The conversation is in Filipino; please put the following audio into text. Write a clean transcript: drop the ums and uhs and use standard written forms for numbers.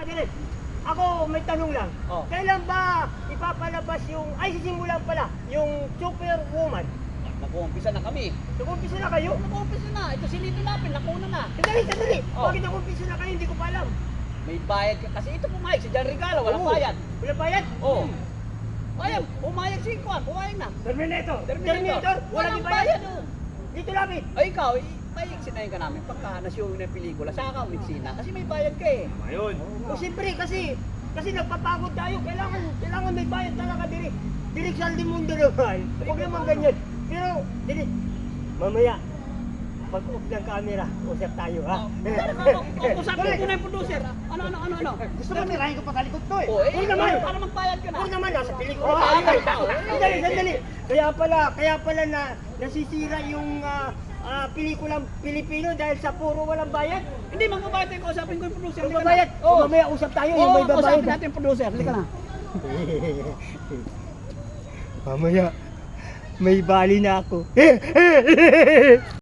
Adele, ako may tanong lang. Oh. Kailan ba ipapalabas yung, ay sisimulan pala, yung Superwoman? Nag-uumpisa na kami. Nag-umpisa na kayo? Nag-uumpisa na. Ito si Lito Lapin, nakuna na. Sandali. Oh. Bakit nag-umpisa na kayo? Hindi ko pa alam. May bayad ka. Kasi ito pumayag si Jan Regalo, walang Oo. bayad. Wala bayad? Oo. Ayan, pumayag si Kwan, pumayag na. Terminator. Terminator. Walang Walang bayad. bayad. Dito Lapid. Ay ikaw, sinayin ka namin pagka na-show na yung pelikula, saka ka umitsina. Kasi may bayad ka eh. Ayun. O siyempre kasi nagpapagod tayo. Kailangan may bayad talaga diri. Direk Saldi Mundo naman. Huwag naman ganyan. Pero, diri, mamaya, pag-off ng camera, usap tayo ha. Usapin ko na yung producer. Ano? Gusto mo nirahin ko patalikod ko eh. Oh, Huwag naman. para magbayad ka na. Huwag naman, nasa pelikula tayo. Sandali. Kaya pala na nasisira yung pelikulang Pilipino dahil sa puro walang bayad. Hindi, magbabayad tayo. Kausapin ko yung producer. Yung babayad. Oo. Mamaya usap tayo, yung Oo, may babayad. kausapin natin yung producer. Halika na. Mamaya, may bali na ako.